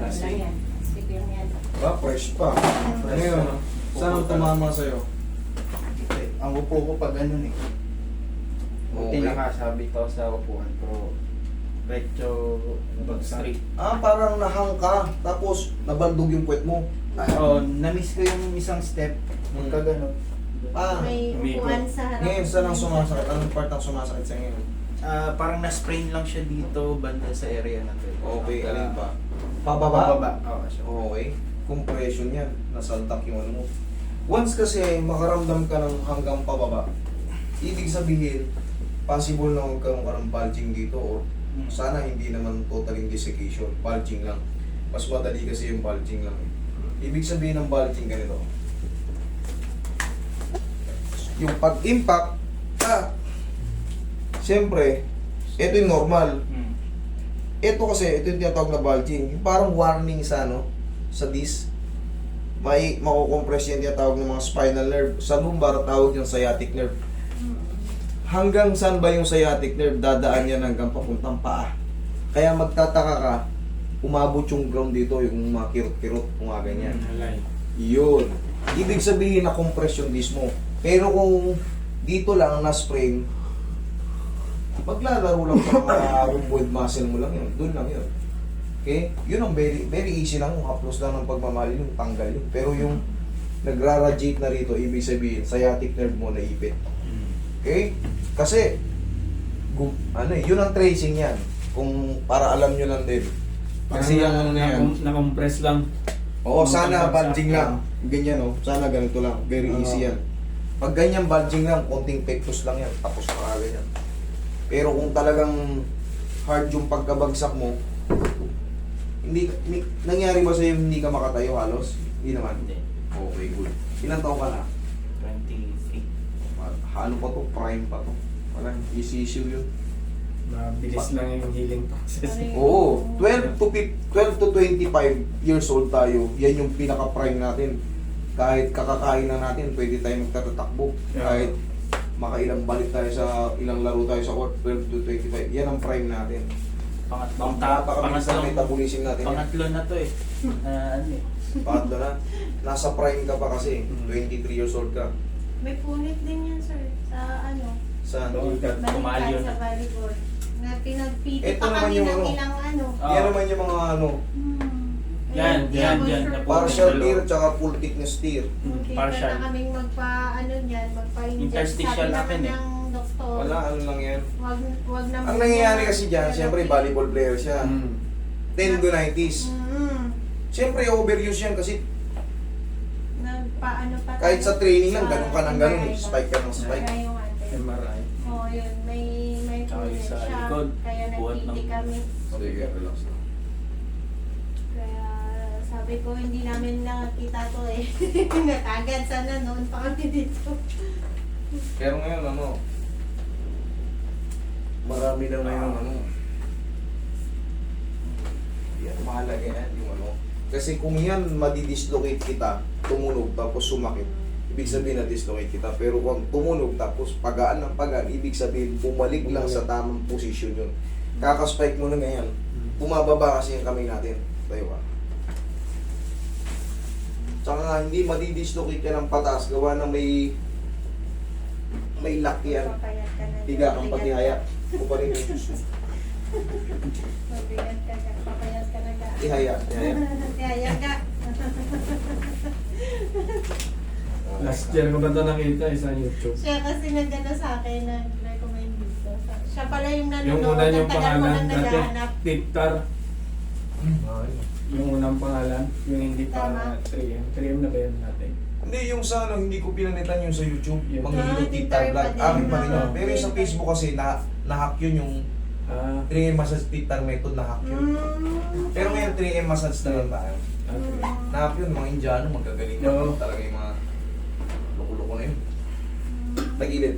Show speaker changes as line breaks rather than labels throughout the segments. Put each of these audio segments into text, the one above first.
lang yan. Sige lang yan.
Fresh pa. Ngayon, saan ang tumama sa'yo?
Ang upo ko pag ganun eh.
Okay.
Tinakasabit ako sa upuan pero retro
Bagsak.
straight.
Parang nahang ka, tapos nabandog yung puwet mo.
Oo, na-miss ko yung isang step. Pagka ganun.
May upuan sa harap.
Ngayon, saan ang sumasakit? Anong part ang sumasakit sa ngayon?
Parang na-sprain lang siya dito banda sa area na to.
Okay,
Pagka-
alin pa? Pababa?
Pababa. Oo, siya.
Okay. Compression yan. Nasaltak yung ano mo. Once kasi makaramdam ka ng hanggang pababa, ibig sabihin, possible na magkaroon ka ng bulging dito or sana hindi naman totaling desiccation. Bulging lang. Mas madali kasi yung bulging lang. Ibig sabihin ng bulging ganito. Yung pag-impact, siyempre, ito yung normal.
Hmm.
Ito kasi, ito yung tinatawag na bulging. Yung parang warning sa ano, sa disc. May makukompress yung tinatawag ng mga spinal nerve. Sa lumbar, tawag yung sciatic nerve. Hanggang saan ba yung sciatic nerve? Dadaan yan hanggang papuntang paa. Kaya magtataka ka, umabot yung ground dito, yung mga kirot-kirot, kung nga ganyan.
Alay.
Yun. Ibig sabihin na compress yung disc mo. Pero kung dito lang na-sprain, maglalaro lang sa mga rhomboid muscle mo lang yun. Doon lang yun. Okay? Yun ang very easy lang. Haplos lang ng pagmamali yung tanggal yun. Pero yung nagraradiate na rito, ibig sabihin, sciatic nerve mo naipit. Okay? Kasi, yun ang tracing yan. Kung para alam nyo lang din. Kasi yung ano na yan.
Na-compress lang.
Oo, sana bulging lang. Ganyan oh. Sana ganito lang. Very easy yan. Pag ganyan bulging lang, konting pectus lang yan. Tapos na ganyan. Pero kung talagang hard yung pagkabagsak mo, nangyari ba sa'yo hindi ka makatayo halos? Hindi naman.
Hindi.
Okay, good. Ilang taon ka na?
23.
Ano pa to? Prime pa to. Parang easy issue yun.
Mabilis lang yung healing process.
Oo, 12 to 25 years old tayo. Yan yung pinaka-prime natin. Kahit kakakain na natin, pwede tayo magtatakbo.
Yeah.
Kahit makailang balik tayo sa ilang laro tayo sa court, 12 to 25. Yan ang prime natin.
Pangatlong
Napakabilis na metabolism natin. yan.
Pangatlo na to eh. Ano eh.
Pangatlo na. Nasa prime ka pa kasi. 23 years old ka.
May punit din yan, sir. Sa ano?
Saan?
Tumalyon.
Balikan sa volleyball. Na pinagpiti
Ito
pa
naman
kami
yung
ng
ano.
ilang ano.
Yan naman yung mga ano,
Yan, yan, yan.
partial tear tsaka full thickness tear.
Partial.
Partial.
Na kaming magpa-ano niyan, magpa-inject.
Interstitial
Sabi
natin
naman
eh.
ng doktor,
Wala, ano lang yan.
wag na
Ang nangyayari kasi dyan, siyempre volleyball player siya. 10 to 90s. Siyempre overuse yan kasi
Nagpaano pa
kahit sa training lang,
sa
ganun ka ng ganun eh.
MRI ba?
Spike ka ng spike.
MRI yung ate.
MRI.
Oo, yun. May
Tsaka
punit
sa
siya.
likod,
Kaya
buhat
nagpiti
ng-
kami.
Sige, relax lang.
Kaya sabi ko, hindi namin nakakita to eh. Natagad sana noon pa kami dito.
Pero ngayon, ano, marami na ngayon, ano, yan, mahalaga yan, yung ano. Kasi kung yan, madidislocate kita, tumunog, tapos sumakit, ibig sabihin na dislocate kita. Pero kung tumunog, tapos pagaan ng pagaan, ibig sabihin, bumalik lang sa tamang posisyon yun. Kakaspike mo na ngayon, bumababa kasi yung kamay natin. Tayo ba? Tsaka nga, hindi madidislocate ka ng patas, gawa na may lock yan.
Papayat ka na.
Higa kang patihaya. Kuparin yun.
Mabigat ka ka. Papayat ka na ka.
Ihaya. Ihaya.
Tihaya ka.
Last year ko ba ito nakita sa YouTube?
Siya kasi nagano sa akin, nag-recommend dito. Siya pala yung nanonood.
Yung una yung
ang tagal mo
pangalan
nang
natin,
naghahanap.
Tiktar. Yung unang pangalan, yung hindi pa
Tama.
3M. 3M na ba yun natin?
Hindi, yung sa ano, hindi ko pinanitan yung sa YouTube.
Yung-
Manghihilot
Ah,
Tiktar
Tiktar
vlog.
pa din.
Akin pa rin yun.
Ah.
Pero yung sa Facebook kasi, na-hack yun yung 3M massage Tiktar method, na-hack yun. Pero ngayon 3M massage na lang tayo.
Okay.
Na-hack yun, mga Indiano, magagaling na
Oo.
talaga yung mga loko-loko na yun. Tagilid.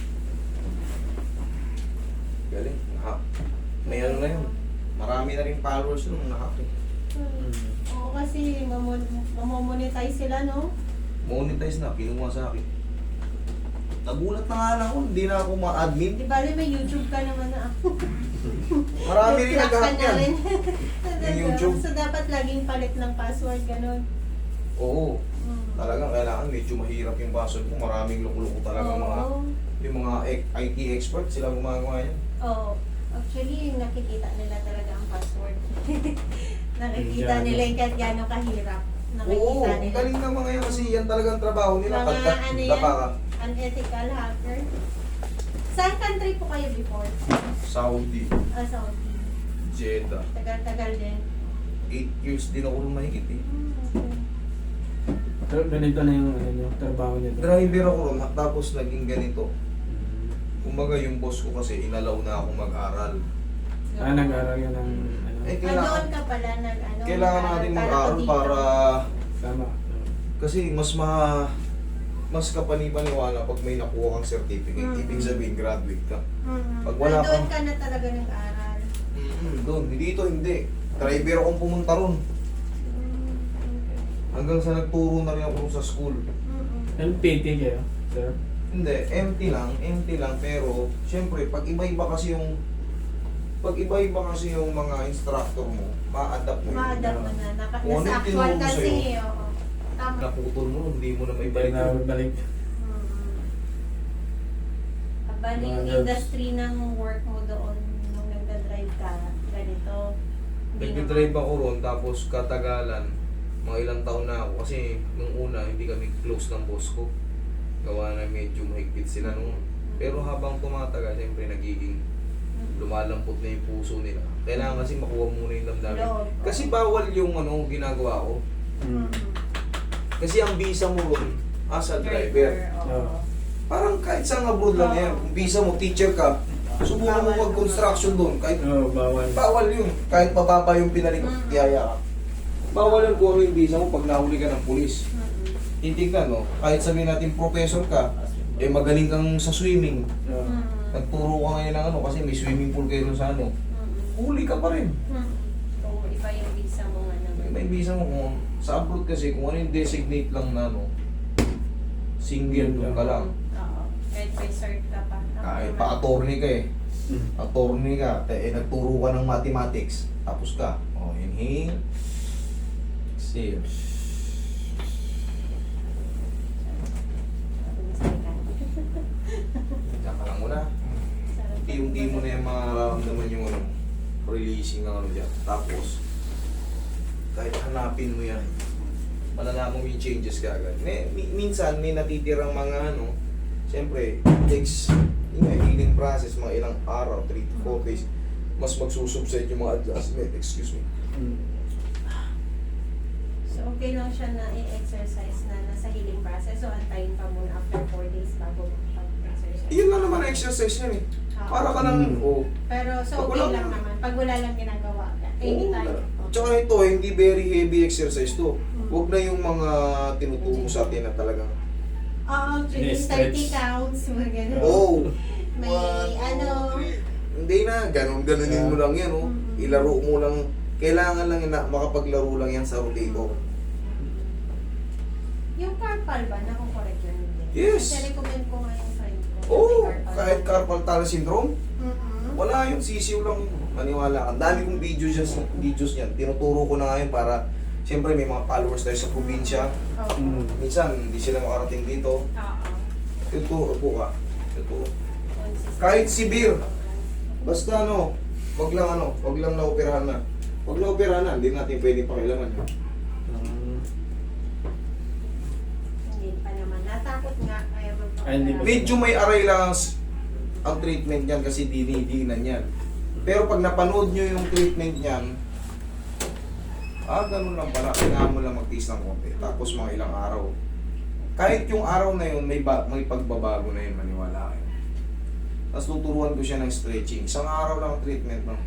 Galing, na-hack. May ano na yun. Marami na rin followers yun, na-hack eh.
Oo, kasi mamomonetize sila, no?
Monetize na, kinuha sa akin. Nagulat na nga lang ako, hindi na ako ma-admin.
Di bali may YouTube ka naman na ako.
Marami rin
Block ka
nag-hack
na
yan.
rin.
Yung YouTube.
So, dapat laging palit ng password, ganun.
Oo. Talagang kailangan medyo mahirap yung password mo. Maraming loko-loko talaga yung mga IT expert, sila gumagawa yan.
Oo. Actually, nakikita nila talaga ang password. Nakikita
Gaano.
nila yung kahit gano'ng kahirap.
Oo,
Nakikita
ang
nila.
galing ng mga yan kasi yan talagang trabaho nila.
Mga
Pagka
ano yan,
dapa ka.
unethical hacker. Saan country po kayo before?
Saudi,
Saudi.
Jeddah.
Tagal-tagal din.
8 years din ako nung mahigit eh.
Okay.
Pero ganito na yung ano nyo, trabaho nito.
Driver ako ron, tapos naging ganito. Kumbaga yung boss ko kasi inalaw na ako mag-aral.
Nag-aaral yan ng ano.
Eh,
Doon ka pala nag-ano?
kailangan natin mag-aral para
Tama.
kasi mas kapanipaniwala pag may nakuha kang certificate. Ibig sabihin, graduate ka. Pag wala
doon
kang-
ka na talaga nag-aral.
Doon, dito hindi. Driver akong pumunta ron.
Okay.
Hanggang sa nagturo na rin ako sa school.
MPT kayo, sir?
Hindi, empty lang, pero syempre pag iba-iba kasi yung mga instructor mo, ma-adapt mo.
Ma-adapt mo na.
Kung ano
Nasa
yung
actual
tinuro
kasi,
sa'yo.
oo. Tama.
Naputol mo, hindi mo na may balik.
Balik.
Bali,
Mga
yung
girls.
industry ng work mo doon, nung nagda-drive ka, ganito. Hindi
Nag-drive ako ron, tapos katagalan, mga ilang taon na ako. Kasi nung una, hindi kami close ng boss ko. Gawa na medyo mahigpit sila noon. Pero habang tumatagal, siyempre nagiging lumalampot na yung puso nila. Kailangan kasi makuha muna yung damdamin.
Loob.
Kasi bawal yung ginagawa ko. Kasi ang visa mo ron, as a driver,
Oo.
parang kahit saan abroad lang yan. Kung visa mo, teacher ka, subukan mo
Bawal.
mag-construction doon. Kahit
Oo, bawal.
bawal yun. Kahit mababa yung pinalik, tiyaya ka. Bawal yun kung ano yung visa mo pag nahuli ka ng pulis. Titignan, no? Kahit sabihin natin professor ka, magaling kang sa swimming.
Oo.
Nagturo ka ngayon ng kasi may swimming pool kayo dun sa huli ka pa rin.
Oo, iba yung visa mo nga naman.
May visa mo kung sa abroad kasi kung ano yung designate lang na single doon ka lang.
Oo. Kahit may cert ka pa.
Kahit pa attorney ka eh. Attorney ka, nagturo ka ng mathematics. Tapos ka. Inhale. Exhale. Diyan ka lang muna. Unti-unti mo na yung mararamdaman yung releasing ng dyan. Tapos, kahit hanapin mo yan, malalaman mo yung changes ka agad. Minsan, may natitirang mga siyempre, takes healing process, mga ilang araw, 3 to 4 days, mas magsusubside yung mga adjustment. Excuse me.
So, okay lang siya na i-exercise na nasa healing process. So, antayin pa muna after 4 days bago mag-exercise.
Yun lang naman ang exercise yan eh. Para ka lang,
Pero, so
Pag
okay
wala-
lang naman. Pag wala lang ginagawa ka. Anytime.
Tsaka ito, hindi very heavy exercise to. Huwag na yung mga tinuturo sa atin na talagang,
Oo, actually,
Ini-stretch.
30 counts. Mga ganun.
oh,
May
1, 2,
ano.
3. Hindi na, ganunin mo lang yan, Ilaro mo lang. Kailangan lang na makapaglaro lang yan sa rotator.
Yung carpal ba? Nakukorek yun? Hindi.
Yes.
Kasi recommend ko nga yung friend ko.
Oo,
May carpal.
kahit carpal tunnel syndrome,
Mm-mm.
wala yung sisiw lang. Maniwala ka. Ang dami kong videos niyan. Tinuturo ko na ngayon para, siyempre may mga followers tayo sa probinsya.
Oo.
Minsan, hindi sila makarating dito.
Oo.
Tuturo po ka. Tuturo.
Consistent.
Kahit severe. Basta wag lang naoperahan na. Wag naoperahan na, hindi natin pwede pakilaman yun.
Hindi pa naman. Natakot nga. Kaya
Ay, hindi pa.
Medyo may aray lang ang treatment niyan kasi dinidinan yan. Pero pag napanood nyo yung treatment niyan, ganun lang pala. Kailangan mo lang magtiis ng konti. Tapos mga ilang araw. Kahit yung araw na yun, may pagbabago na yun, maniwala kayo. Tapos tuturuan ko siya ng stretching. Isang araw lang ang treatment, no?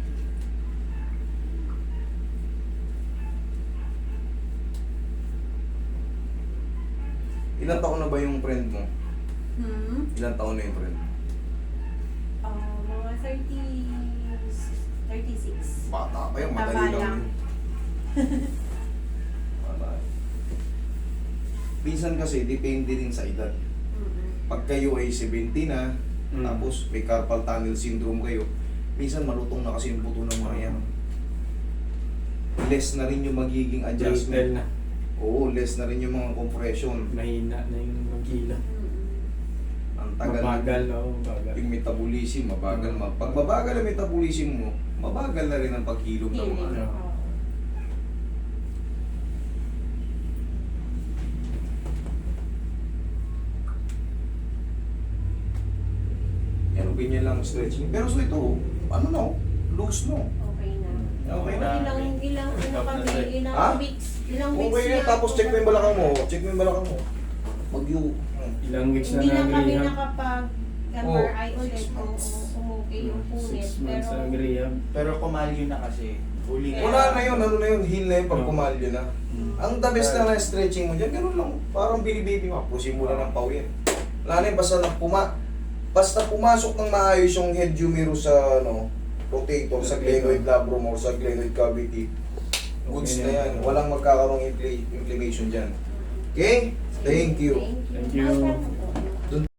Ilang taon na ba yung friend mo? Ilang taon na yung friend mo?
Mga 36.
Bata pa yun, madali
Tama
lang
lang.
yun. Bata. Minsan kasi, depende din sa edad. Pag kayo ay 70 na, tapos may carpal tunnel syndrome kayo, Minsan malutong na kasi yung buto ng mga yan. Less na rin yung magiging
Brittle
adjustment.
na.
Oo, less na rin yung mga compression.
Mahina na yung magila.
Ang tagal.
Mabagal, no? Mabagal.
Yung metabolism, mabagal. Pag mabagal ang metabolism mo, mabagal na rin ang paghilom ng mga.
Healing.
ano.
Yan, ganyan lang ang stretching. Pero so ito, ano na, loose no.
Okay na.
Okay
na.
Ilang ano kami,
Ha?
ilang weeks
Okay
na
na, tapos
ako
check mo yung
kami-
balakang mo. Check mo yung balakang mo. Mag-you.
Ilang weeks na
Hindi na kami
nag-rehab.
nakapag MRI ulit kung umukay yung punit.
6 months
Pero
na nag-rehab.
Pero kumalyo na kasi. Huli na.
Wala na yun, ano na yun, heal na yun pag
Oo.
pumalyo na.
Mm.
Ang the best na na stretching mo dyan, ganun lang. Parang binibaby mo, pusin mo lang ng pawin. Wala na yun, basta pumasok ng maayos yung head humerus sa rotator, sa glenoid labrum or sa glenoid cavity. Goods na yan. Walang magkakaroong inflammation dyan. Okay? Thank you.
Thank you.
Thank you.
Welcome po.